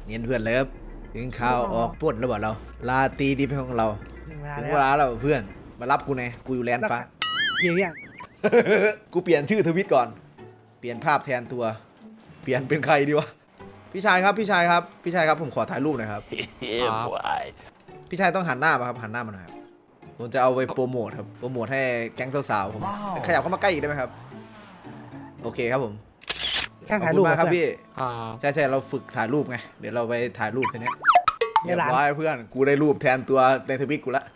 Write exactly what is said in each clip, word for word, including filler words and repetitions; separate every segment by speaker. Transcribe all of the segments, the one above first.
Speaker 1: เนียนเพื่อนเลิฟถึงข่าวออกปล้นแล้วบอกเราลาตีดีเป็นของเรา
Speaker 2: ถึงเวลา
Speaker 1: ถึง
Speaker 2: แล้ว
Speaker 1: เวลาแล้วเพื่อนมารับกูไงกูอยู่แลนด์ฟ้า
Speaker 2: เกี่ยวยัง
Speaker 1: กูเปลี่ยนชื่อทวิตก่อนเปลี่ยนภาพแทนตัว เปลี่ยนเป็นใครดีวะพี่ชายครับพี่ชายครับพี่ชายครับผมขอถ่ายรูปหน่อยครับ พี่ชายต้องหันหน้ามาครับหันหน้ามาหน่อยครับผมจะเอาไปโปรโมทครับโปรโมทให้แก๊งสาวๆผมขยับเข้ามาใกล้อีกได้ไหมครับโอเคครับผม
Speaker 2: ช่าง
Speaker 1: ขอบ
Speaker 2: ถ่าย
Speaker 1: คุ
Speaker 2: รูป
Speaker 1: ณมากครับพี่
Speaker 3: อ่า
Speaker 1: ใช่ใช่เราฝึกถ่ายรูปไงเดี๋ยวเราไปถ่ายรูปทีเนี้ย
Speaker 2: ใน
Speaker 1: เรียบ
Speaker 2: ร้าน
Speaker 1: ร้อยเพื่อนกูได้รูปแทนตัวในทวิตกูละ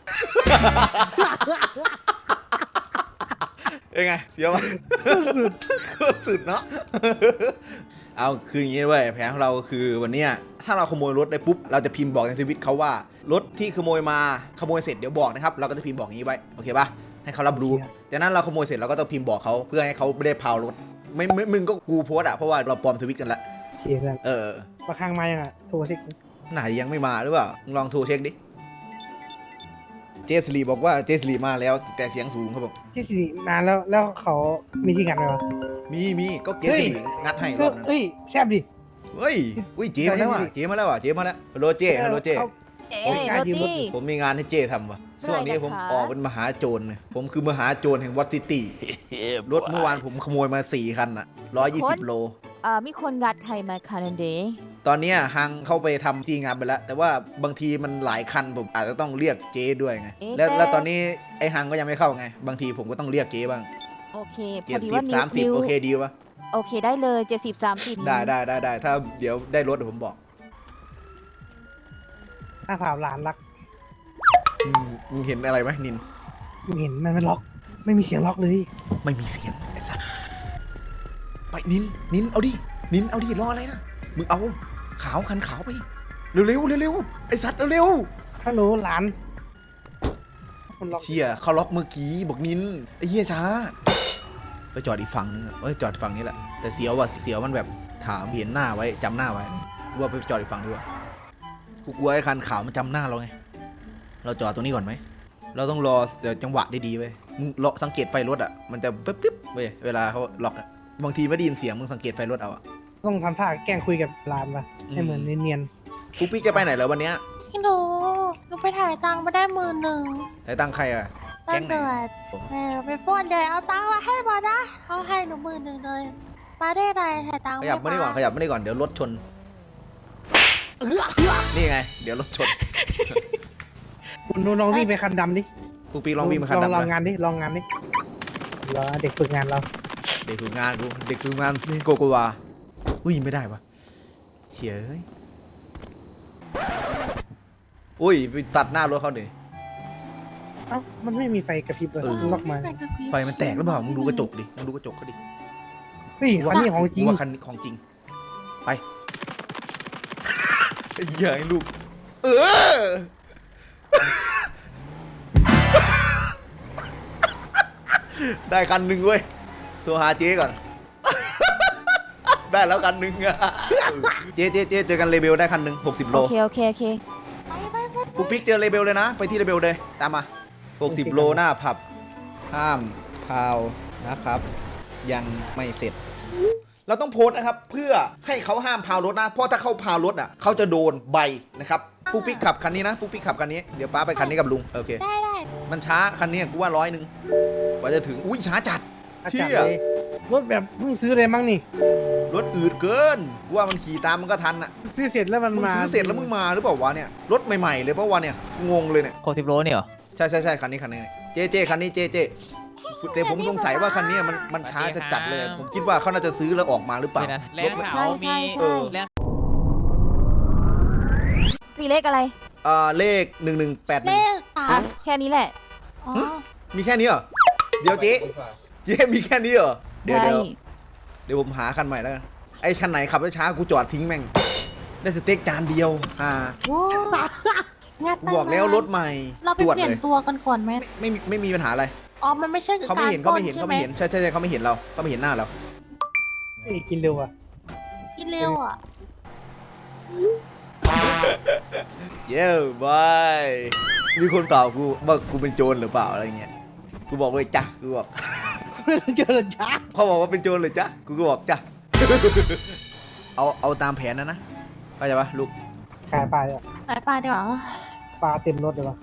Speaker 1: เป็นไงเสียวมั้ยสุดสุดเนาะ เอาคืออย่างงี้เว้ยแผนของเราคือวันเนี้ยถ้าเราขโมยรถได้ปุ๊บเราจะพิมพ์บอกในทวิตเขาว่ารถที่ขโมยมาขโมยเสร็จเดี๋ยวบอกนะครับเราก็จะพิมพ์บอกอย่างนี้ไว้โอเคป่ะให้เขารับรู้จากนั้นเราขโมยเสร็จเราก็ต้องพิมพ์บอกเขาเพื่อให้เขาไม่ได้พาวรถไม่ไม่มึงก็กูโพสอะเพราะว่าเราปลอมทวิตกันละ
Speaker 2: โอเคเพื่อน
Speaker 1: เออ
Speaker 2: ประคังมายังอ่ะโทรสิ
Speaker 1: ไหนยังไม่มาหรือเปล่ามึงลองโทรเช็คดิเจสลีบอกว่าเจสลีมาแล้วแต่เสียงสูงครับผม
Speaker 2: ที่สี่นานแล้วแล้วเขามีที่กันไหมวะ
Speaker 1: มีมีก็เจ
Speaker 2: เฮ้
Speaker 1: ส
Speaker 2: ย
Speaker 1: ลีงัดให้ร
Speaker 2: ก็
Speaker 1: อบนั้น
Speaker 2: เอ้ยแซ่บดิ
Speaker 1: เฮ้ยอุ้ยเจมาแล้วว่ะเจมาแล้วว่ะเจมาแล้วฮัลโหลเจฮัลโหลเจ
Speaker 2: เขา
Speaker 4: เอ๊ะ
Speaker 2: โอ้ย
Speaker 4: โรตี้
Speaker 1: ผมมีงานให้เจทำว่ะช่วงนี้ผม
Speaker 4: อะไรนะคะ
Speaker 1: ออกเป็นมหาโจรเนี่ยผมคือมหาโจรแห่งวัดซิตี้รถเมื่อวานผมขโมยมาสี่คันอะร้อยยี่สิบโล
Speaker 4: อ่ามีคนงัดใครมาคานันเดย์
Speaker 1: ตอนเนี้ยฮังเข้าไปทำที่งานไปแล้ว แต่ว่าบางทีมันหลายคันผมอาจจะต้องเรียกเจด้วยไงแล้วแล้วตอนนี้ไอ้ฮังก็ยังไม่เข้าไงบางทีผมก็ต้องเรียกเจบ้าง
Speaker 4: โอเคพ
Speaker 1: เจ็
Speaker 4: อ
Speaker 1: ด
Speaker 4: ดี
Speaker 1: สิ
Speaker 4: ว่า
Speaker 1: บ
Speaker 4: นิ
Speaker 1: สาว มสิบ
Speaker 4: นิว
Speaker 1: โอเคดีปะ
Speaker 4: โอเคได้เลยเจ็ดสิบสามสิบ
Speaker 1: ได้ได้ได้ได้ถ้าเดี๋ยวได้รถเดี๋ยวผมบอก
Speaker 2: หน้าผาหลานรัก
Speaker 1: อืมมึงเห็นอะไรไหมนิน
Speaker 2: มึงเห็นมันมันล็อก ไม่มีเสียงล็อกเลย
Speaker 1: ไม่มีเสียงไอ้สัสไปนินนินเอาดินินเอาดิรออะไรนะมึงเอาขาวคันขาวไปเร็วเร็วเร็วเร็วไอ้สัตว์เร็วเร็ว
Speaker 2: ฮัลโหลหลานมันล็อก
Speaker 1: เชี่ยเขาล็อกเมื่อกี้บอกนินไอ้เหี้ยช้าไปจอดอีกฝั่งนึงอะเอ้ยจอดอีกฝั่งนี้แหละแต่เสียวว่ะเสียวมันแบบถามเห็นหน้าไว้จำหน้าไว้กูว่าไปจอดอีกฝั่งดีกว่ากูกลัวไอ้คันขาวมันจำหน้าเราไงเราจอดตรงนี้ก่อนไหมเราต้องรอเดี๋ยวจังหวะดีๆเว้ยมึงรอสังเกตไฟรถอ่ะมันจะปึ๊บปึ๊บเว้ยเวลาเขาล็อกอะบางทีไม่ได้ยินเสียงมึงสังเกตไฟรถเอาอะ
Speaker 2: ต้องทำท่าแกล้งคุยกับหลานปะให้เหมือนเนียน
Speaker 1: กูปิ๊กจะไปไหนแล้ววันเนี้ย
Speaker 5: พี่หนูหนูไปถ่ายตังค์มาได้หมื่นหนึ่ง
Speaker 1: ไอ้ตังใครอะ
Speaker 5: ตั้
Speaker 1: แก๊
Speaker 5: ง
Speaker 1: งไหน
Speaker 5: เดือดเออไปป้วนเลยเอาตังค์มาให้มานะเขาให้หนูหมื่นหนึ่งเลยมาได้ไรถ่ายตังค์
Speaker 1: ขยับไม่ได้ก่อนขยับไม่ได้ก่อนเดี๋ยวรถชนนี่ไงเดี๋ยวรถชน
Speaker 2: ๆคุณลองวิ่งไปคันดำดิ
Speaker 1: กูปิ๊กลองวิ่งมาคัน
Speaker 2: ลอง
Speaker 1: ดำ
Speaker 2: ลอง
Speaker 1: นะ
Speaker 2: งานดิลองงานดิรอเด็กฝึกงานเรา
Speaker 1: เด็กฝึกงานกูเด็กฝึกงานโกโกวาอุ้ยไม่ได้ปะเฉียเอ้ยอุ้ยไปตัดหน้ารถเขาหน่อย
Speaker 2: เอ้ามันไม่มีไฟกระพริบเลย
Speaker 1: เออ
Speaker 2: มันล็อกมา
Speaker 1: ไฟมันแตกหรือเปล่ามึงดูกระจกดิมึงดูกระจกเขาดิ
Speaker 2: เฮ้ยคันนี้ของจริง
Speaker 1: กูว่าคันนี้ของจริงไป ไอ้เหี้ยไอ้ลูกเออ ได้คันหนึ่งเว้ยโทรหาเจ๊ก่อน ได้แล้วคันหนึ่ง เจ๊เจ๊เจ๊เจอกันเลเบลได้คันหนึ่งหกสิบโล
Speaker 4: โอเคโอเคโอเค
Speaker 5: ไปไปไป
Speaker 1: กูปิ๊กเจอเลเบลเลยนะ ไปที่เลเบลเลย ตามมาหกสิบโลหน้าผับ ห้ามพาวนะครับ ยังไม่เสร็จ เราต้องโพสต์นะครับ เพื่อให้เขาห้ามพาวรถนะ เพราะถ้าเขาพาวรถอ่ะเขาจะโดนใบนะครับปุ๊กปิ๊กขับคันนี้นะปุ๊กปิ๊กขับคันนี้ เดี๋ยวป้าไปคันนี้กับลุง โอเค
Speaker 5: ได้ได้
Speaker 1: มันช้าคันนี้กูว่าร้อยหนึ่งกว่าจะถึง อุ้ยช้าจัด
Speaker 2: อา
Speaker 1: เชี่
Speaker 2: จาร
Speaker 1: ย
Speaker 2: ย์เลยรถแบบเพิ่งซื้อเลยมั้งนี่
Speaker 1: รถอืดเกิน กูว่ามันขี่ตามมันก็ทันอ่ะ
Speaker 2: ซื้อเสร็จแล้วมัน
Speaker 1: มึง
Speaker 2: มา
Speaker 1: ซื้อเสร็จแล้วมึงมาหรือเปล่าวะเนี่ย รถใหม่ๆเลยเพราะว่าเนี่ย งงเลยเนี่ย
Speaker 3: หกสิบโลเนี่ยเหรอ
Speaker 1: ใช่ใช่ใช่คันนี้คันนี้เจเจคันนี้เจเจแต่ผมสงสัยว่าคันนี้มันมันช้าจะจัดเลย ผมคิดว่าเขาน่าจะซื้อแล้วออกมาหรือเปล่า
Speaker 3: ไม่นะแล
Speaker 1: ร
Speaker 3: น
Speaker 1: ถ
Speaker 3: ขาวมี
Speaker 1: เออ
Speaker 3: แลน
Speaker 4: มีเลขอะไร
Speaker 1: อ่าเลขหนึ่งหนึ่งแปดห
Speaker 5: เล
Speaker 1: นึ่ง
Speaker 5: ขสาม
Speaker 4: แค่นี้แหละ
Speaker 5: อ๋อ
Speaker 1: มีแค่นี้เหรอเดี๋ยวเจ๊เจ๊มีแค่นี้เหรอเดี๋ยว
Speaker 4: ได้
Speaker 1: เดี๋ยวเดี๋ยวผมหาคันใหม่แล้วกันไอ้คันไหนขับช้าๆกูจอดทิ้งแม่งได้สเต็กจานเดียวอ่า
Speaker 5: โว้งัด
Speaker 1: กู
Speaker 5: ตังค์
Speaker 1: บอกแล้ว
Speaker 5: มาร
Speaker 1: ถใหม่
Speaker 5: เราไป
Speaker 1: ตรวจ
Speaker 5: เปลี่ย
Speaker 1: เล
Speaker 5: น
Speaker 1: ย
Speaker 5: ตัวกันก่อนไหม
Speaker 1: ไม่มีไม่มีปัญหาอะไร
Speaker 5: อ๋อมันไม่ใช่
Speaker 1: เขาไม่
Speaker 5: การ
Speaker 1: เห็น
Speaker 5: ป
Speaker 1: เขา
Speaker 5: ล้น
Speaker 1: ไม่เห็น
Speaker 5: ใช่
Speaker 1: เขา
Speaker 5: ไหม
Speaker 1: ไม่เห็นใช่ใช่ใช่เขาไม่เห็นเราเขาไม่เห็นหน้าเรา
Speaker 2: เฮ้ยกินเร็วอ่ะ
Speaker 5: กินเร็วอ่ะ
Speaker 1: เย้บายมีคนตอบกูว่ากูเป็นโจรหรือเปล่าอะไรเงี้ยกูบอกเลยจ้ะกูบอก
Speaker 2: เจอแล้วจ้า
Speaker 1: เขาบอกว่าเป็นโจรเลยจ้ะกูก็บอกจ้ะ เอาเอาตามแผนนะนะเข้าใจปะลูก
Speaker 2: ขายปลาเนี่ย
Speaker 5: ไปปลาดีกว่า
Speaker 2: ปลาเต็มรถเลยวะ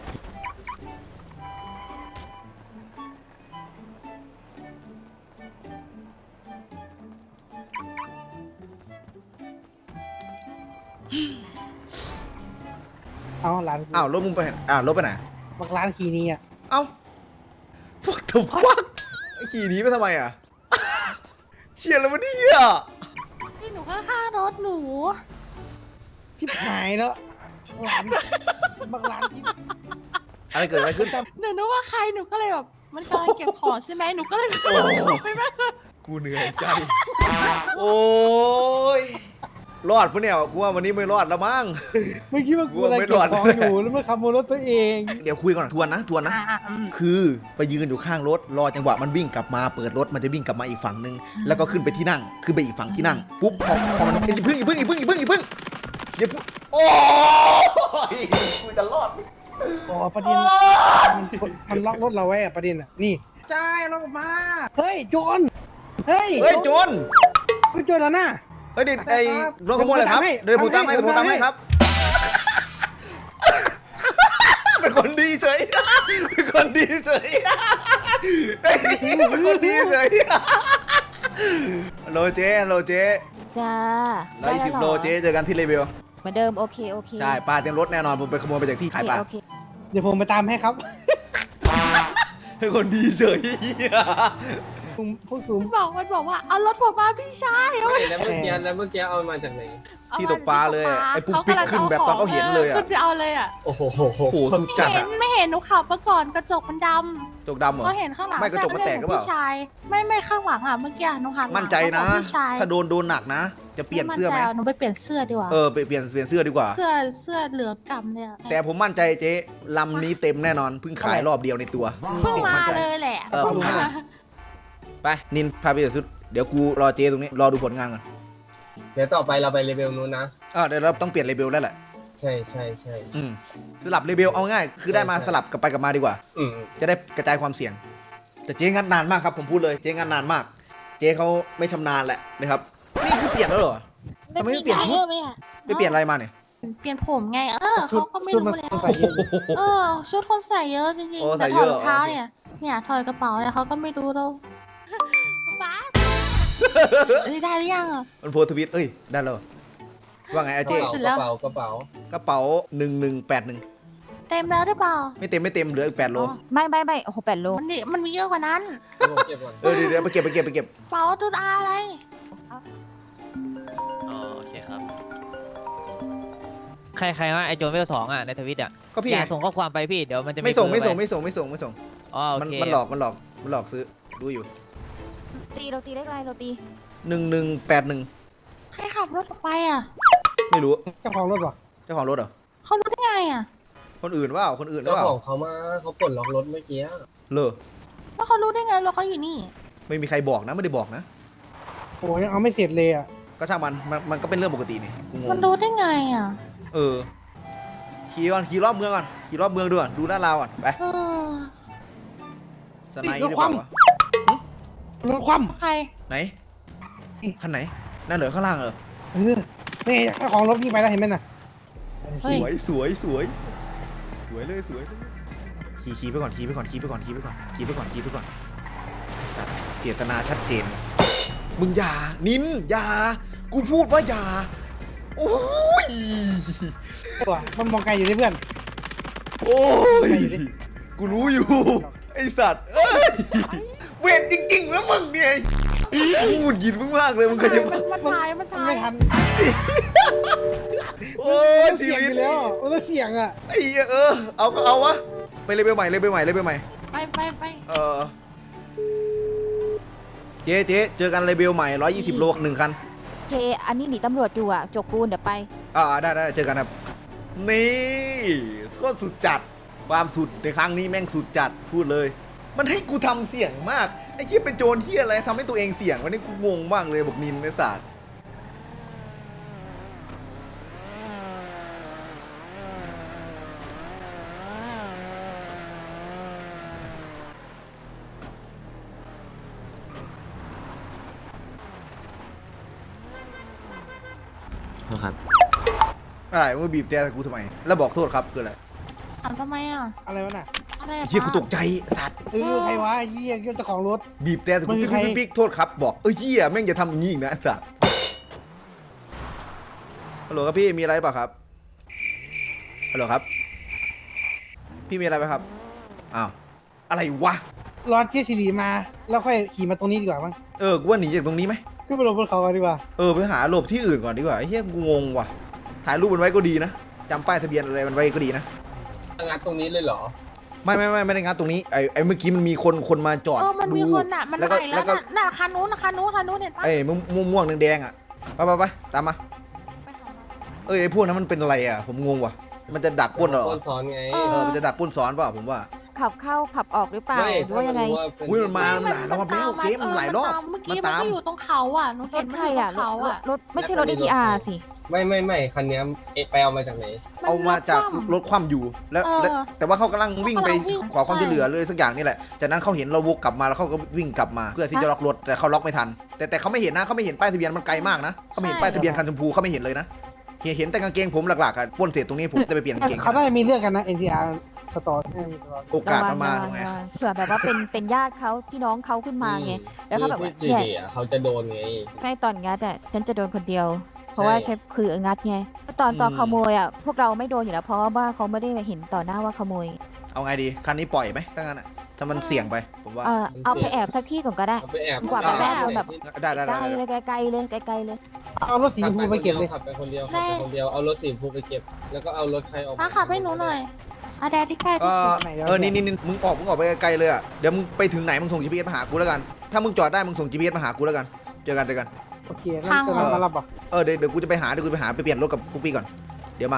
Speaker 2: เอาร้าน
Speaker 1: อ้าวรถมึงไปไหนอ้าวรถไปไหน
Speaker 2: บักร้านคีนี้อ่ะ
Speaker 1: เอ้าพวกถุฟักไอ้ขี่หนีไปทำไมอ่ะ เชียร์แล้ววะเนี่ย
Speaker 5: พี่หนูก็ฆ่ารถหนู
Speaker 2: ชิบหายแล้วร้านบักร้านที่
Speaker 1: อะไรเกิดอะไรขึ้น
Speaker 5: หนูนึกว่าใครหนูก็เลยแบบมันกำลังเก็บของใช่ไหมหนูก็เลย
Speaker 1: โอ้กูเหนื่อยใจ โอ้ยรอดปะเนี่ยกูว่าวันนี้ไม่รอดแล้วมั้ง
Speaker 2: ไม่คิดว่ากูอะไร
Speaker 1: ไม่
Speaker 2: เก็
Speaker 1: ร
Speaker 2: บ
Speaker 1: อด
Speaker 2: ของอยู่แล้วมาขโมยรถตัวเอง
Speaker 1: เดี๋ยวคุยก่อนทวนนะทวนนะ
Speaker 5: อ่ะอ่ะอืม
Speaker 1: คือไปยืนอยู่ข้างรถรอจังหวะมันวิ่งกลับมาเปิดรถมันจะวิ่งกลับมาอีกฝั่งหนึ่งแล้วก็ขึ้นไปที่นั่งขึ้นไปอีกฝั่งที่นั่งปุ๊บพอพอมันอย่าพึ่งอย่าพึ่งอย่าพึ่งอย่าพึ่งอย่าพึ่งอย่าพึ่งโอ้ยกูจะรอดไหม
Speaker 2: อ๋อประเด็นมันมันล็อกรถเราไว้อะประเด็นอะนี่ใช่ล็อกมาเฮ้ยโจรเฮ้ย
Speaker 1: เฮ้ยโจร
Speaker 2: เฮ้ยโจรแล้วนะ
Speaker 1: เฮ้ยเด็กไอ้รถขโมยเลยครับเดี๋ยวผมตามให้เดี๋ยวผมตามให้ครับ เป็นคนดีเฉยเป็นคนดีเฉยเป็นคนดีเฉยฮัลโหลเจ๊ฮัลโหลเจ๊
Speaker 4: จ้า
Speaker 1: ร้อยสิบโลเจ๊เจอกันที่เลเวล
Speaker 4: เหมือนเดิมโอเคโอเค
Speaker 1: ใช่ปลาเต็มรถแน่นอนผมไปขโมยมาจากที่
Speaker 4: โอ
Speaker 1: ขาย
Speaker 4: เค
Speaker 1: ปลา
Speaker 4: โอเค
Speaker 2: เดี๋ยวผมไปตามให้ครับ
Speaker 1: เป็นคนดีเฉย
Speaker 2: ตุ้มพวกตุ้ม
Speaker 5: บอกมันบอกว่าเอารถผมมาพี่ชายเอา
Speaker 3: ไม่แล้วเมื่อกี้แล้วเมื่อกี้เอามาจากไหน
Speaker 5: เอา
Speaker 1: ที่
Speaker 5: มา
Speaker 1: ตกปลาเลยไอ้ปุ๊กปิ๊กขึ้นแบบตอนเขาเห็นเลยอะ
Speaker 5: ขึ้นไปเอาเลยอ่ะ
Speaker 3: โอ้โห
Speaker 1: โอ้โหสุดจัด
Speaker 5: เห็
Speaker 1: อะ
Speaker 5: นไม่เห็นหนูขับมาก่อนกระจกมันด
Speaker 1: จกดำเหร
Speaker 5: ำ
Speaker 1: อ
Speaker 5: ก็เห็นข้างหลัง
Speaker 1: ไม่กระจกมันแตกหรือเปล่า
Speaker 5: พี่ชายไม่ไม่ข้างหลังอ่ะเมื่อกี้หนูหันหลัง
Speaker 1: มั่นใจนะ
Speaker 5: บอกพี่ชาย
Speaker 1: ถ้าโดนโดนหนักนะ จะเปลี่ยนเสื้อไหม
Speaker 5: มั่นใจหนูไปเปลี่ยนเสื้อดีกว่า
Speaker 1: เออไปเปลี่ยนเปลี่ยนเสื้อดีกว่า
Speaker 5: เสื้อเสื้อเหลืองกำเนี่ย
Speaker 1: แต่ผมมั่นใจเจ๊ลำนี้เต็มแน่นอนเพิ่งขายรอบเดียวในตัว
Speaker 5: เพิ่งมา
Speaker 1: มั่นใจ
Speaker 5: เลยแหละ
Speaker 1: เออเพิ่งมา ไปนินพาไปเดี๋ยวสุดเดี๋ยวกูรอเจ๊ตรงนี้รอดูผลงานก่อน
Speaker 3: เดี๋ยวต่อไปเราไปเลเวลนู้นนะ
Speaker 1: อ่าเดี๋ยวเราต้องเปลี่ยนเลเบลแล้วแหละ
Speaker 3: ใช่ใช่ใช่
Speaker 1: อืมสลับเลเบลเอาง่ายคือได้มาสลับกลับไปกลับมาดีกว่า
Speaker 3: อืม
Speaker 1: จะได้กระจายความเสี่ยง แต่เจ๊งัดนานมากครับผมพูดเลยเจ๊งัดนานมาก เจ๊เขาไม่ชำนาญแหละนะครับนี่คือเปลี่ยนแล้วเหรอ ทำไมไม่เปลี่ยนชุด
Speaker 5: ไหมอะ
Speaker 1: ไปเปลี่ยนอะไรมาเนี่ย
Speaker 5: เปลี่ยนผมไงเออเขาก็ไม่
Speaker 2: ชุด
Speaker 5: รู้
Speaker 2: น
Speaker 5: แล้ว
Speaker 2: ใส่เยอะ
Speaker 5: เออชุดคนใส่เยอะจริง
Speaker 1: โอ้
Speaker 5: ๆ
Speaker 1: ใส่
Speaker 5: แต่
Speaker 1: เย
Speaker 5: ถอ
Speaker 1: อะ
Speaker 5: ดรองเท้า
Speaker 1: โอเค
Speaker 5: เนี่ยเนี่ยถอดกระเป๋าเนี่ยเขาก็ไม่รู้เราป๊าเอ้ยได้หรือยังอ่ะ
Speaker 1: มันโพสต์ทวิตเอ้ยได้แล้วว่าไงอา
Speaker 3: ก
Speaker 1: เจ๊
Speaker 3: ระ
Speaker 5: สุด
Speaker 3: เป๋า
Speaker 5: แล้ว
Speaker 3: กระเป๋ากระเป๋าก
Speaker 1: ระเป๋าหนึ่งหนึ่งแปดหนึ่ง
Speaker 5: เต็มแล้วหรือเปล่า
Speaker 1: ไม่เต็มไม่เต็มเหลืออีกแปดโล
Speaker 5: อ๋อ
Speaker 4: ไม่ไม่ไม่โอ้โหแปดโล
Speaker 5: มันนี่มันมีเยอะกว่านั้น
Speaker 3: เดี๋ยวผมเก็บก่อน
Speaker 1: เออเดี๋ยวเดี๋ยวไปเก็บไปเก็บไปเก็บ
Speaker 5: กระเป๋าตุดอาอะไร
Speaker 6: อ๋อโอเคครับ ใครใครว่าไอโจนเวลสองอ่ะในทวิตอ่ะ
Speaker 1: ก็พี่
Speaker 6: อ
Speaker 1: ไง
Speaker 6: ย่าส่งข้อความไปพี่เดี๋ยวมันจะ
Speaker 1: ไม่ส่ง
Speaker 6: เบอ
Speaker 1: ไม่
Speaker 6: ร์
Speaker 1: ส่ง
Speaker 6: ป
Speaker 1: ไม่ส่งไม่ส่งไม่ส่งไม่ส่ง
Speaker 6: อ๋อโอ
Speaker 1: มัน
Speaker 6: เค
Speaker 1: มันหลอกมันหลอกมันหลอกซื้อดูอยู่
Speaker 4: ตีโรตีเลขอะไรโรตี
Speaker 1: หนึ่งหนึ่งแปดหนึ่ง
Speaker 5: ใครขับรถออกไปอ่ะ
Speaker 1: ไม่รู้
Speaker 2: เจ้าของรถวะ
Speaker 1: เจ้าของรถเหรอ
Speaker 5: เขารู้ได้ไงอ่ะ
Speaker 1: คนอื่นว่าคนอื่นหรือ
Speaker 3: เจ้า
Speaker 1: เปล่า
Speaker 3: ของเขามาเขาปลดล็อกรถเมื่อกี้
Speaker 1: เลอ
Speaker 5: แล้วเขารู้ได้ไงรถเขาอยู่นี่
Speaker 1: ไม่มีใครบอกนะไม่ได้บอกนะ
Speaker 2: โอ้ยังเอาไม่เสร็จเลยอ่ะ
Speaker 1: ก็ช่างมันมันมันก็เป็นเรื่องปกตินี่กูง
Speaker 5: มัน
Speaker 1: ง
Speaker 5: รู้ได้ไงอ่ะ
Speaker 1: เออขี่ก่อนขี่รอบเมืองก่อนขี่รอบเมืองดูก่อนดูหน้าเราก่อนไป
Speaker 5: เออ
Speaker 1: สไนด์หรือเปล่าวะ
Speaker 2: รถคว่
Speaker 5: ใคร
Speaker 1: ไหนคันไหนนั่นเหรอข้างล่างเหรอ
Speaker 2: ำเออนี่เจ้าของรถนี่งไปแล้วเห็นไหมน่ะ
Speaker 5: เฮ้
Speaker 1: ส
Speaker 5: ย
Speaker 1: วยสวยสวยสวยเลยสวยเลยขี่ขี่ไปก่อนขี่ไปก่อนขี่ไปก่อนขี่ไปก่อนขี่ไปก่อนขี่ไปก่อนไอ้สัตว์เจตนาชัดเจน มึงอย่านินอย่ากูพูดว่าอย่าโอ้ย
Speaker 2: ตัวมันมองไกลอยู่ที่เพื่อน
Speaker 1: โอ้ยกูรู้อยู่ไอสัตว์เอ้ยเวรจริงๆแล้วมึงเนี่ยพูดยินมึงมากเลยมึงเคยจะ
Speaker 5: มันมันถ่ายมัน
Speaker 2: มัน
Speaker 5: ถ่า
Speaker 2: ไม่
Speaker 5: ย
Speaker 2: ทัน
Speaker 1: โอ้ย
Speaker 2: มัน
Speaker 1: ชี
Speaker 2: เสียง
Speaker 1: วิ
Speaker 2: อ
Speaker 1: ต
Speaker 2: ยู่แล้วมันต้องเสียงอ่ะ
Speaker 1: ไอ้เหี้ยเออเอาก็เอาวะไปเลยเบลใหม่เลยเบลใหม่เลยเบลใหม่
Speaker 5: ไปไปไป
Speaker 1: เออเจ๊เจ๊เจอกันเลยเบลใหม่ร้อยยี่สิบโลหนึ่งคัน
Speaker 4: โอเค อันนี้หนีตำรวจอยู่อ่ะ จกปูนเดี๋ยวไป
Speaker 1: อ่าได้ได้เจอกันครับนี่โคตรสุดจัดความสุดในครั้งนี้แม่งสุดจัดพูดเลย มันให้กูทำเสี่ยงมากไอ้เหี้ยเป็นโจรเหี้ยอะไรทำให้ตัวเองเสี่ยงวันนี้กูงงมากเลยบอกนินในศาสตร์
Speaker 7: ครับ
Speaker 1: อะไรมึงบีบแต่กูทำไมแล้วบอกโทษครับคืออะไร
Speaker 5: ถามทำไมอ่ะ
Speaker 2: อะไรวะน่ะ
Speaker 5: อะไรอะ
Speaker 1: เฮียกู
Speaker 5: ป้า
Speaker 1: ตกใจสัตว์
Speaker 2: เออใครวะไอ้เหี้ยเจ้าของรถ
Speaker 1: บีบแต่กู
Speaker 2: มันคื
Speaker 1: ปิ๊
Speaker 2: อก ใคร
Speaker 1: ปิ๊กปิ๊กโทษครับบอกเออเฮียแม่งจะทำอย่างนี้อีกนะสัตว์ฮัลโหลครับพี่มีอะไรเปล่าครับฮัลโหลครับพี่มีอะไรไหมครับอ้าวอะไรวะ
Speaker 2: รอเจสิริมาแล้วค่อยขี่มาตรงนี้ดีกว่ามั้ง
Speaker 1: เออกูว่าหนีจากตรงนี้ไหม
Speaker 2: ขึ้นไปลงบนเขากันดีกว่า
Speaker 1: เออไปหาหลบที่อื่นก่อนดีกว่าไอ้เฮียกูงงว่ะถ่ายรูปมันไว้ก็ดีนะจำป้ายทะเบียนอะไรมันไว้ก็ดีนะ
Speaker 3: งัดตรงนี้เลยเหรอ
Speaker 1: ไม่ไม่ไม่ไม่ได้งัดตรงนี้ไอ้ไอ้เมื่อกี้มันมีคนคนมาจอด
Speaker 5: เออมันมี
Speaker 1: ดู
Speaker 5: คนอ่ะมัน
Speaker 1: แล้ว
Speaker 5: ไห
Speaker 1: ก็
Speaker 5: ลแล้
Speaker 1: แล้ว วก็
Speaker 5: น่ะน่ะคันนู้นน่ะคันนู้นคันนู้นเห็นปะ
Speaker 1: ไอ้ม่วงม่วงๆแดงๆอ่ะไปไปไปตามมา
Speaker 5: ไปหามา
Speaker 1: เอ้ยไอ้พวกนั้นมันเป็นอะไรอ่ะผมงงว่ะมันจะดักปล้นเหรอ
Speaker 3: ต้นซ้อนไง
Speaker 5: เอ
Speaker 1: เออมันจะดักปล้นซ้อนเปล่าผมว่า
Speaker 4: ขับเข้าขับออกหรือเปล่า
Speaker 3: ไม่
Speaker 4: หรือว่ายังไง
Speaker 3: ถ้ารู้ว่าเป็น
Speaker 1: อุ้ยมันมามันหลายรอบแล้วเกมมันหลายรอบ
Speaker 5: เเมื่อกี้
Speaker 1: มัน
Speaker 5: มัน
Speaker 1: ตาม
Speaker 5: ก็อยู่ตรงเขาอ่ะหนู
Speaker 4: ร
Speaker 5: เห็
Speaker 4: ถ
Speaker 5: นมัน
Speaker 4: ใคร
Speaker 5: อยู่ตร
Speaker 4: อ่ะ
Speaker 5: งเขา
Speaker 4: รถ
Speaker 5: อ่ะ
Speaker 4: รถไม่ใช่รถ ดี ที อาร์ สิ
Speaker 3: ไม่ไม่ไม่คันเนี้ยเอะไปเอามาจากไหน
Speaker 1: เอามาจาก
Speaker 5: คว่ำ
Speaker 1: รถคว่ำอยู่แล้ว
Speaker 5: เออ
Speaker 1: แล้วแต่ว่าเขากำลังวิ่งไป
Speaker 5: เขากำลังวิ่ง
Speaker 1: ขอความ
Speaker 5: ใช่
Speaker 1: ช่วยเหลือเลยสักอย่างนี่แหละจากนั้นเขาเห็นเราวกกลับมาแล้วเขาก็วิ่งกลับมาเพื่อที่จะล็อกรถแต่เขาล็อกไม่ทัน แต่แต่เขาไม่เห็นนะเขาไม่เห็นป้ายทะเบียนมันไกลมากนะเขาไม่เห็นป้ายทะเบียนคันชมพูเขาไม่เห็นเลยนะเห็นเห็นแต่กางเกงผมหลักๆอ่ะปล้นเสร็จตรงนี้ผมจะไปเปลี่ยนกางเกง
Speaker 2: เขาได้มีเรื่องกันนะ เอ็น ที อาร์ สตอร์มีสตอร์
Speaker 1: โอกาสมันมา
Speaker 4: ระ
Speaker 1: ต
Speaker 4: วั
Speaker 1: รง งไหน
Speaker 4: ระวังเผื่อแบบว่าเป็นเป็นญาติเขาพี่น้องเขาขึ้นมาไง แล้วเขาแบบว่า
Speaker 3: ที่
Speaker 4: เนี่ย
Speaker 3: ดีอ่ะเขาจะโดนไง
Speaker 4: ไม่ตอนงัดอ่ะฉันจะโดนคนเดียว เพราะว่า
Speaker 3: ใช่
Speaker 4: ใช่คืองัดไงตอนตอนขโมยอ่ะพวกเราไม่โดนอยู่แล้วเพราะว่าเขาไม่ได้เห็นต่อหน้าว่าขโมย
Speaker 1: เอาไงดีคันนี้ปล่อยไหมถ้างั้นอ่ะถ้ามันเสี่ยงไปผมว่า
Speaker 4: เออเอาไปแอบสักที่ก่อนก็ได้
Speaker 3: เอาไปแอบ
Speaker 4: กว่าแบบว่าเอาแบบ
Speaker 1: ได้ได้
Speaker 4: ไก
Speaker 1: ได้
Speaker 4: ล
Speaker 1: ได้
Speaker 4: เลยไกลๆเลยไกลๆเลย
Speaker 2: เอารถสีชมพูไปเก็บเลย
Speaker 3: ขับไปคนเดียวขับไปคนเดียวเอารถสีชมพูไปเก็บ แล้วก็เอารถใครออก
Speaker 5: ป้าขับให้หนูหน่อยอาแดดที่ใกล้
Speaker 1: เอ
Speaker 5: ที่สุ
Speaker 1: อ
Speaker 5: ด
Speaker 2: ไหนเดี๋ยว
Speaker 1: เออนี่นี่นี่มึงออกมึงออกไปไกลๆเลยอ่ะเดี๋ยวมึงไปถึงไหนมึงส่ง จี พี เอส มาหากูแล้วกันถ้ามึงจอดได้มึงส่ง จี พี เอส มาหากูแล้วกันเจอกันเจอกัน
Speaker 2: โอเคงั้นจะมามารับอ่ะ
Speaker 1: เออเดี๋ยวเดี๋ยวกูจะไปหาเดี๋ยวกูจะไปหาไปเปลี่ยนรถกับปุ๊กปี้ก่อนเดี๋ยวมา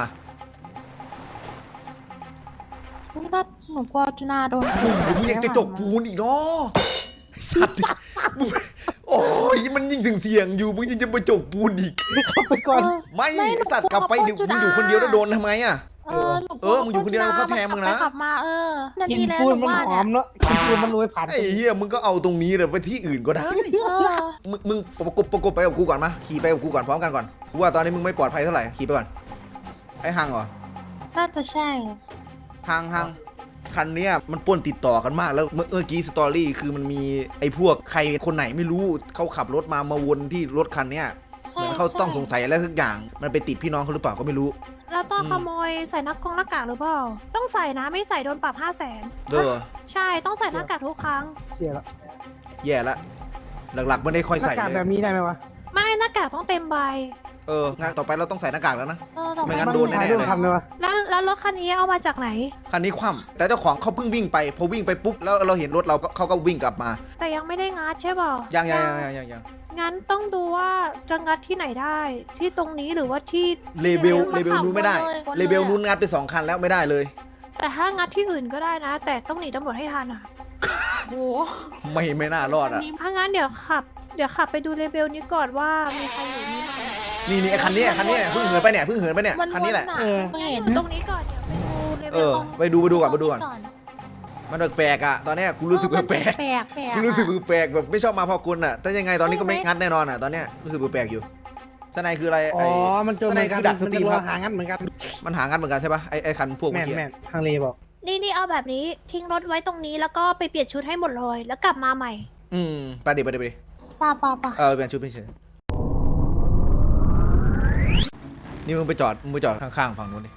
Speaker 5: ถ้าหนูกลัวจุนาโดน
Speaker 1: มึงยังจะจกปูนอีกเนาะสัตว์มึงโอ้ยมันยิ่งถึงเสี่ยงอยู่มึงยังจะไปจกปูนอีก
Speaker 2: เข้าไปก่อน
Speaker 1: ไม่ตัดกลับไปเดี๋ยวมึงอยู่คนเดียวแล้วโดนทำไมอ่ะ
Speaker 5: เออหนูก
Speaker 1: เอ
Speaker 5: ลัว
Speaker 1: อมึงอยู่คนเดียวเขาแทงมึงนะ
Speaker 5: ขับไปขับมาเออนา
Speaker 2: กิ
Speaker 5: ที
Speaker 2: น
Speaker 5: แล้ว
Speaker 2: ปู
Speaker 5: ห
Speaker 2: น
Speaker 5: นู
Speaker 2: มัน
Speaker 5: ว่า
Speaker 2: ห
Speaker 5: เนี่
Speaker 2: อย มเนาะกินปูนมันโรยผ่าน
Speaker 1: ไอ้เหี้ยมึงก็เอาตรงนี้เลยไปที่อื่นก็ได้
Speaker 5: เออ
Speaker 1: มึงมึงประกบประกบไปกับกูก่อนมาขี่ไปกับกูก่อนพร้อมกันก่อนกูว่าตอนนี้มึงไม่ปลอดภัยเท่าไหร่ขี่ไปก่อนไอ้ฮังเหรอ
Speaker 5: น่าจะใช่
Speaker 1: ฮังฮังคันเนี้ยมันป่วนติดต่อกันมากแล้วเมื่อเมื่อกี้สตอรี่คือมันมีไอ้พวกใครคนไหนไม่รู้เขาขับรถมามาวนที่รถคันเนี้ย
Speaker 5: ใช่
Speaker 1: เหมือนเขา
Speaker 5: ใช่
Speaker 1: ต้องสงสัยอะไรสักอย่างมันไปติดพี่น้องเขาหรือเปล่าก็ไม่รู้
Speaker 7: แล้วตอน
Speaker 1: อืม
Speaker 7: ขโมยใส่หน้ากงหน้ากากหรือเปล่า ต้องใส่นะไม่ใส่โดนปรับห้าแสน
Speaker 1: เด้อ
Speaker 7: ใช่ต้องใส่หน้ากากทุกครั้ง
Speaker 2: เชียร์ละ
Speaker 1: แย่ละหลักๆไม่ได้ค่อย
Speaker 2: หน้า
Speaker 1: ใส่
Speaker 2: กาก
Speaker 1: เล
Speaker 2: แบบ
Speaker 1: ย
Speaker 2: นี้ได้ไหมวะ
Speaker 7: ไม่หน้ากากต้องเต็มใบ
Speaker 1: เอองานต่อไปเราต้องใส่หน้ากากแล้วนะ
Speaker 5: เออแต่
Speaker 1: ไม่
Speaker 5: ไม่
Speaker 1: งั้น
Speaker 5: งั้น
Speaker 1: โดนแน่
Speaker 2: ถ่ายรูปทำเลยวะ
Speaker 7: แล้วแล้วรถคันนี้เอามาจากไหน
Speaker 1: คันนี้คว่ำแต่เจ้าของเขาเพิ่งวิ่งไปพอวิ่งไปปุ๊บแล้วเราเห็นรถเราก็เขาก็วิ่งกลับมา
Speaker 7: แต่ยังไม่ได้งัดใช่เปล่า
Speaker 1: ยังยังยังยังยัง
Speaker 7: งั้นต้องดูว่าจะงัดที่ไหนได้ ที่ตรงนี้หรือว่าที่
Speaker 1: เลเบลเลเบลนู้นไม่ได้เลเบลนู้นงัดไปสองคันแล้วไม่ได้เลย
Speaker 7: แต่ถ้างัดที่อื่นก็ได้นะ แต่ต้องหนีตำรวจให้ทันอ่ะ
Speaker 5: โอ้
Speaker 1: ไม่ไม่น่ารอดอ่ะ
Speaker 7: ถ้างั้นเดี๋ยวขับ เดี๋ยวขับไปดูเลเบลนี้ก่อนว่ามีใครอยู่นี่ไหม
Speaker 1: นี่นี่ไอ้คันนี้คันนี้เพิ่งเหินไปเนี่ยเพิ่งเหินไปเนี่ย
Speaker 5: มัน
Speaker 1: คันนี้แหละ
Speaker 5: ว
Speaker 2: เออ
Speaker 5: ไม่เห็น
Speaker 7: ตรงนี้ก่อนเดี๋ยวไปดูเลเบ
Speaker 1: เอ
Speaker 7: ล
Speaker 1: อไปดูไปดูก่อนไปดูก่อนมันแปลกๆอ่ะตอนเนี้ยกูรู้สึกแปลก
Speaker 5: แปลกแปลก
Speaker 1: ๆกูรู้สึกแปลกๆแบบไม่ชอบมาพอกุลอ่ะแต่ยังไงตอนนี้ก็ไม่งัดแน่นอนอ่ะตอนเนี้ยรู้สึกแปลกๆอยู่สไนคืออะไร
Speaker 2: อ๋
Speaker 1: ไอ้
Speaker 2: อ มันโจมเหมือนกัน
Speaker 1: สไนคือดักสตรีม
Speaker 2: น
Speaker 1: ค
Speaker 2: จะ
Speaker 1: รับ
Speaker 2: หางั้นเหมือนกัน
Speaker 1: มันหางัดเหมือนกันใช่ปะไอ้ไอ้คันพวก
Speaker 2: แม
Speaker 1: เมื่อน กี้
Speaker 2: แมนทางเลบอก
Speaker 7: นี่นี่เอาแบบนี้ทิ้งรถไว้ตรงนี้แล้วก็ไปเปลี่ยนชุดให้หมดเลยแล้วกลับมาใหม่
Speaker 1: อืมไปดิไปดิไปดิ
Speaker 5: ป่าป่าป่า
Speaker 1: เออเปลี่ยนชุดไม่เฉยนี่มึงไปจอดมึงไปจอดข้างๆฝั่งนู้นดิ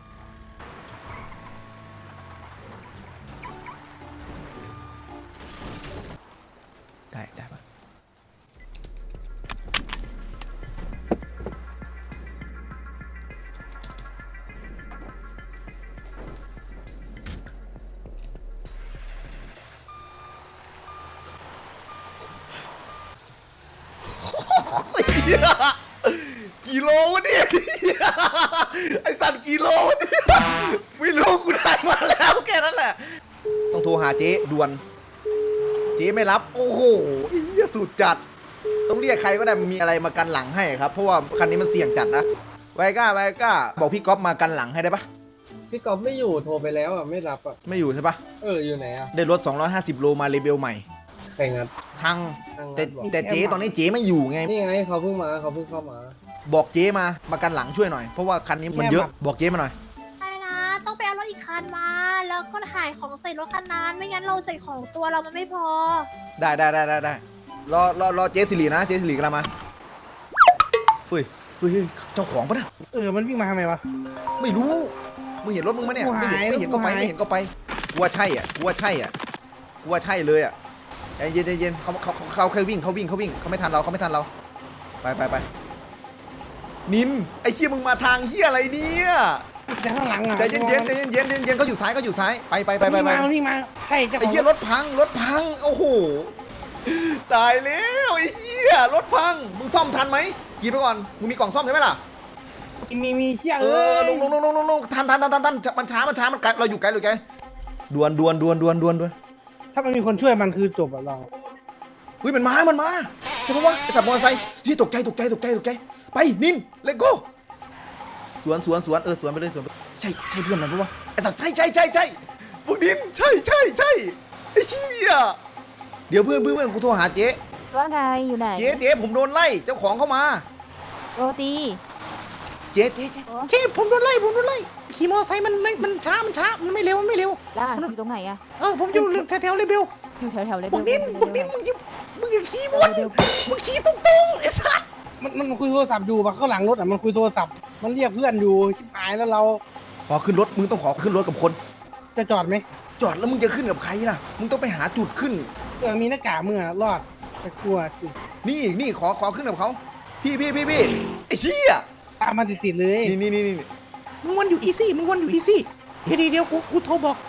Speaker 1: ได้ได้ปะกิโลวะเนี่ยไอสัตว์กิโลวะเนี่ยไม่รู้กูได้มาแล้วแค่นั้นแหละต้องโทรหาเจ๊ด่วนเจ๊ไม่รับโอ้โหเหี้ยสุดจัดต้องเรียกใครก็ได้มีอะไรมากันหลังให้ครับเพราะว่าคันนี้มันเสี่ยงจัดนะไวก้าไวก้าบอกพี่ก๊อฟมากันหลังให้ได้ปะ
Speaker 3: พี่กอล์ฟไม่อยู่โทรไปแล้วอ่ะไม่รับอ่ะ
Speaker 1: ไม่อยู่ใช่ปะ
Speaker 3: เอออยู่ไหนอ่ะ
Speaker 1: ได้รถสองร้อยห้าสิบโลมาเลเบลใหม่
Speaker 3: ใครงัด
Speaker 1: ฮัง
Speaker 3: ทาง
Speaker 1: แต่
Speaker 3: งัดบอก
Speaker 1: แต่เจ๊ตอนนี้เจ๊ไม่อยู่ไง
Speaker 3: นี่ไงเขาเพิ่งมาเขาเพิ่งเข้ามา
Speaker 1: บอกเจ๊มามากันหลังช่วยหน่อยเพราะว่าคันนี้มันเยอะบอกเจ๊มาหน่อย
Speaker 7: ใช่นะ ต้องไปเอารถอีกคันมา แล้วก็ถ่ายของใส่รถคันนั้นไม่งั้นเราใส่ของตัวเรามันไม่พอ
Speaker 1: ได้ได้ได้ได้ได้รอรอรอเจ๊สิรินะเจ๊สิริกำลังมาเฮ้ยเฮ้ยเฮ้ยเจ้าของปะเนี่ย
Speaker 2: เออมันวิ่งมาทำไมวะ
Speaker 1: ไม่รู้มึงเห็นรถมึงไหมเนี่ย
Speaker 2: กู
Speaker 1: ไม่
Speaker 2: หาย
Speaker 1: เห็นไม่เห็นก็ไป
Speaker 2: กูหาย
Speaker 1: ไม่เห็นก็ไปกูว่าใช่อ่ะกูว่าใช่อ่ะกูว่าใช่เลยอ่ะใจเย็นใจเย็นเขาเขาเขาเขาแค่วิ่งเขาวิ่งเขาวิ่งเขาไม่ทันเราเขาไม่ทันเราไปไปไปนินไอ้เฮียมึงมาทางเฮียอะไรเนี่ย
Speaker 2: แต่ข้างหลังอ่ะ
Speaker 1: ใจเย็นเย็นใจเย็นเย็นใจเย็นเขาอยู่ซ้ายเขาอยู่ซ้ายไปไปไปไปไป
Speaker 2: มันวิ่งมาใช่เจ้าข
Speaker 1: ไอ้
Speaker 2: อง
Speaker 1: เหี้ยรถพังรถพังโอ้โหตายแล้วไอ้เหี้ยรถพังมึงซ่อมทันไหมขี่ไปก่อนมึงมีกล่องซ่อมใช่ไหมล่ะ
Speaker 2: มีมีเชี่ย
Speaker 1: เอ
Speaker 2: เอ้
Speaker 1: อย ลงลงลงลงลงลงทันทันทันทันทันมันช้ามันช้ามันไกลเราอยู่ไกลเราอยู่ไกลดวนดวนดวนดวนดวนดวน
Speaker 2: ถ้ามันมีคนช่วยมันคือจบอะเรา
Speaker 1: เฮ้ยมันมามันมาใช่ปะวะไอ้สัตว์มอเตอร์ไซค์ที่ตกใจตกใจตกใจตกใจไปนินเลโก้สวนสวนสวนเออสวนไปเลยสวนไปใช่ใช่เพื่อนมันปะวะไอ้สัตว์ใช่ใช่ใช่ใช่พวกนินใช่ใช่ใช่ไอ้เหี้ยเดี๋ยวเพื่อนเพื่อนเพื่อนกูโทรหาเจ๊
Speaker 4: ว่าไงอยู่ไหน
Speaker 1: เจ๊เจ๊ผมโดนไล่เจ้าของเข้ามา
Speaker 4: โรตี
Speaker 1: เจ๊เจ๊เจ๊
Speaker 4: โอ้
Speaker 1: เจ๊ผมโดนไล่ผมโดนไล่ขี่มอเตอร์ไซค์มันมันมันช้ามันช้ามันไม่เร็วมันไม่เร็ว
Speaker 4: ล่าอยู่ตรงไหนอะ
Speaker 1: เออผมอยู่แถวแถวๆเลเบล
Speaker 4: อยู่แถวๆเลย
Speaker 1: บอกนินบอกนินมึงอย่ามึงอย่าขี่วนมึงขี่ตรงๆไอ้สัส
Speaker 2: มันมันคุยโทรศัพท์อยู่ปะข้างหลังรถอ่ะมันคุยโทรศัพท์มันเรียกเพื่อนอยู่ชิบหายแล้วเรา
Speaker 1: ขอขึ้นรถมึงต้องขอขึ้นรถกับคน
Speaker 2: จะจอดไหม
Speaker 1: จอดแล้วมึงจะขึ้นกับใครล่ะมึงต้องไปหาจุดขึ้น
Speaker 2: เออมีหน้ากากมึงอะรอดแต่กลัวสิ
Speaker 1: นี่นี่ขอขอขึ้นกับเขาพี่พี่พี่พี่ไอ้เชี่ย
Speaker 2: ตามมาติดๆเลย
Speaker 1: นี่นี่นี่นี่มึงวนอยู่อีซี่มึงวนอยู่อีซี่เดี๋ยวเดี๋ยวกูกูโทรบอก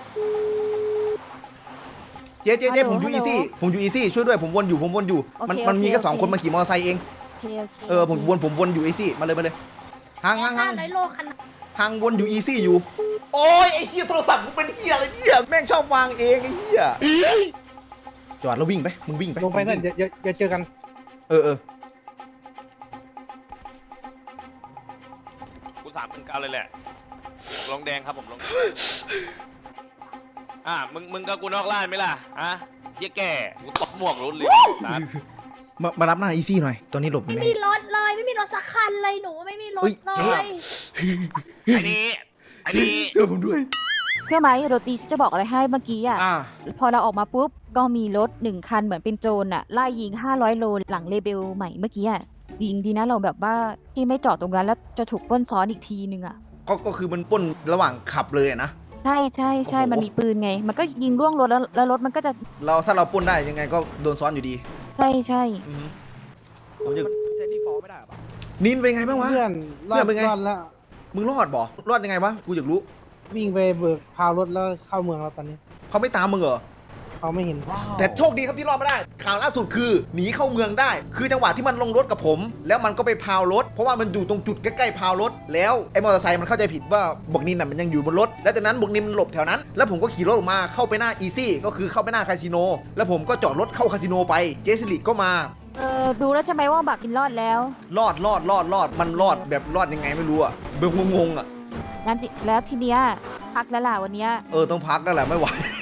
Speaker 1: เจ๊เจ๊เจ๊ผมอยู่อีซี่ผมอยู่อีซี่ช่วยด้วยผมวนอยู่ผมวนอยู่มันมันมีแค่สองคนมาขี่มอเตอร์ไซค์เอง
Speaker 4: โอเคโอเค
Speaker 1: เออผมวนผมวนอยู่อีซี่มาเลยมาเลยห่างห่างห่าง
Speaker 7: ร้อยโลคัน
Speaker 1: ห่างวนอยู่อีซี่อยู่โอ้ยไอ้เหี้ยโทรศัพท์มึงเป็นเหี้ยอะไรเนี่ยแม่งชอบวางเองไอ้เหี้ยจอดแล้ววิ่งไปมึงวิ่งไป
Speaker 2: ลงไปเพื่อนอย่าอย่าอย่าเจอกัน
Speaker 1: เออเออ
Speaker 8: กูสามพันเก้าเลยแหละผมลงแดงครับผมลงอ่ะมึงมึงกับกูนอกล่านไหมล่ะฮะเหี้ยแก่กูตบหมวกรถเลยนะ
Speaker 1: มามารับหน้าอีซี่หน่อยตอนนี้หลบอยู่
Speaker 7: ไม่
Speaker 1: ไหน
Speaker 7: มีรถเลยไม่มีรถสักคันเลยหนูไม่มีรถ
Speaker 1: เฮ้ย
Speaker 7: เล
Speaker 1: เจ๊
Speaker 7: ย
Speaker 8: ไอ้นี่ไอ้นี่
Speaker 1: เจอผมด้วย
Speaker 4: เชื่อไหมโรตีจะบอกอะไรให้เมื่อกี้อะ
Speaker 1: อ่า
Speaker 4: พอเราออกมาปุ๊บก็มีรถหนึ่งคันเหมือนเป็นโจรอะไล่ยิงห้าร้อยโลหลังเลเบลใหม่เมื่อกี้อะยิงดีนะเราแบบว่าที่ไม่จอดตรงนั้นแล้วจะถูกปล้นซ้อนอีกทีนึงอะ
Speaker 1: ก็ก็คือมันปล้นระหว่างขับเลยอะนะ
Speaker 4: ใช่ใช่ใช่
Speaker 1: โอ้โห
Speaker 4: มันมีปืนไง มันก็ยิงล่วงรถแล้วแล้วรถมันก็จะ
Speaker 1: เราถ้าเราปล้นได้ยังไงก็โดนซ้อนอยู่ดี
Speaker 4: ใช่ใช่
Speaker 1: อือฮึผมจะใช้ดีฟอลไม่ได้ปะนินเป็นไงบ้างวะ
Speaker 2: เพื่อนรอ
Speaker 1: เพื่อ
Speaker 2: ด
Speaker 1: นเป็นไง
Speaker 2: รอดแล้ว
Speaker 1: มึงรอดบ่รอดยังไงวะกูอยากรู้
Speaker 2: วิ่งไปเบิกพาวรถแล้วเข้าเมืองแล้วตอนนี้
Speaker 1: เขาไม่ตามมึงเหรอ
Speaker 2: เขาไม่เห็น
Speaker 1: แต่โชคดีครับที่รอดมาได้ ข่าวล่าสุดคือหนีเข้าเมืองได้ คือจังหวะที่มันลงรถกับผม แล้วมันก็ไปพาวรถ เพราะว่ามันอยู่ตรงจุดใกล้ๆพาวรถ แล้วไอ้มอเตอร์ไซค์มันเข้าใจผิดว่าบวกนินน่ะมันยังอยู่บนรถ แล้วจากนั้นบวกนินมันหลบแถวนั้น แล้วผมก็ขี่รถออกมาเข้าไปหน้าอีซี่ก็คือเข้าไปหน้าคาสิโน แล้วผมก็จอดรถเข้าคาสิโนไป เจสลิก็มา
Speaker 4: เออดูแล้วใช่ไหมว่าบักกินรอดแล้ว
Speaker 1: รอดรอดรอดรอดมันรอดแบบรอดยังไงไม่รู้อะเบลงงๆอะ
Speaker 4: นั้นแล้วทีเนี้ยพักแล้วล่ะวันเนี้ย
Speaker 1: เออต้องพักแล้วแหละไม่ไหว